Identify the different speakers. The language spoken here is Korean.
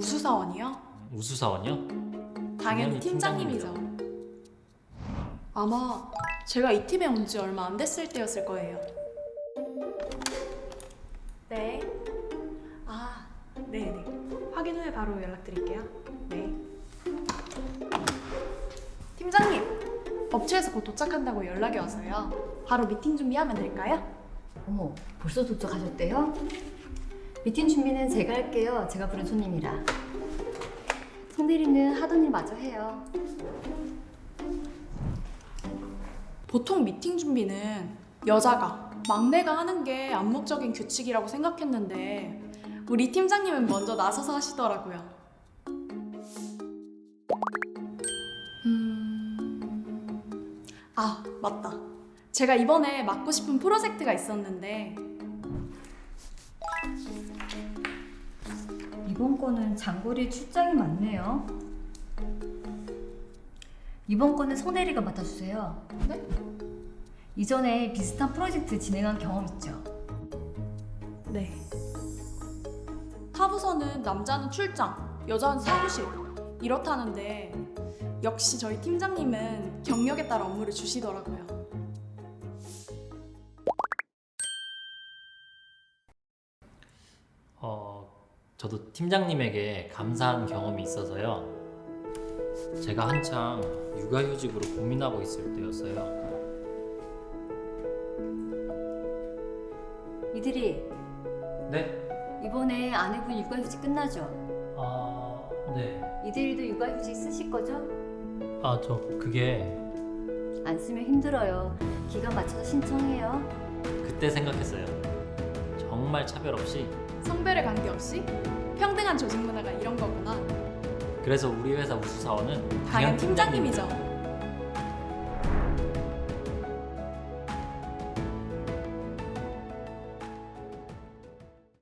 Speaker 1: 우수사원이요?
Speaker 2: 우수사원이요?
Speaker 1: 당연히 팀장님이죠. 아마 제가 이 팀에 온 지 얼마 안 됐을 때였을 거예요. 네. 아, 네네. 확인 후에 바로 연락드릴게요. 네. 팀장님, 업체에서 곧 도착한다고 연락이 와서요. 바로 미팅 준비하면 될까요?
Speaker 3: 어머, 벌써 도착하셨대요? 미팅 준비는 제가 할게요. 제가 부른 손님이라. 송대리는 하던 일 마저 해요.
Speaker 1: 보통 미팅 준비는 여자가, 막내가 하는 게 암묵적인 규칙이라고 생각했는데 우리 팀장님은 먼저 나서서 하시더라고요. 아, 맞다. 제가 이번에 맡고 싶은 프로젝트가 있었는데
Speaker 3: 이번 건은 장거리 출장이 많네요. 이번 건은 송대리가 맡아주세요.
Speaker 1: 네?
Speaker 3: 이전에 비슷한 프로젝트 진행한 경험 있죠?
Speaker 1: 네. 타부서는 남자는 출장, 여자는 사무실 이렇다는데 역시 저희 팀장님은 경력에 따라 업무를 주시더라고요.
Speaker 2: 저도 팀장님에게 감사한 경험이 있어서요. 제가 한창 육아휴직으로 고민하고 있을 때였어요.
Speaker 3: 이들이
Speaker 2: 네?
Speaker 3: 이번에 아내분 육아휴직 끝나죠?
Speaker 2: 네.
Speaker 3: 이들이도 육아휴직 쓰실 거죠?
Speaker 2: 그게
Speaker 3: 안 쓰면 힘들어요. 기간 맞춰서 신청해요.
Speaker 2: 그때 생각했어요. 정말 차별 없이.
Speaker 1: 성별에 관계없이 평등한 조직 문화가 이런 거구나.
Speaker 2: 그래서 우리 회사 우수사원은
Speaker 1: 당연 팀장님이죠.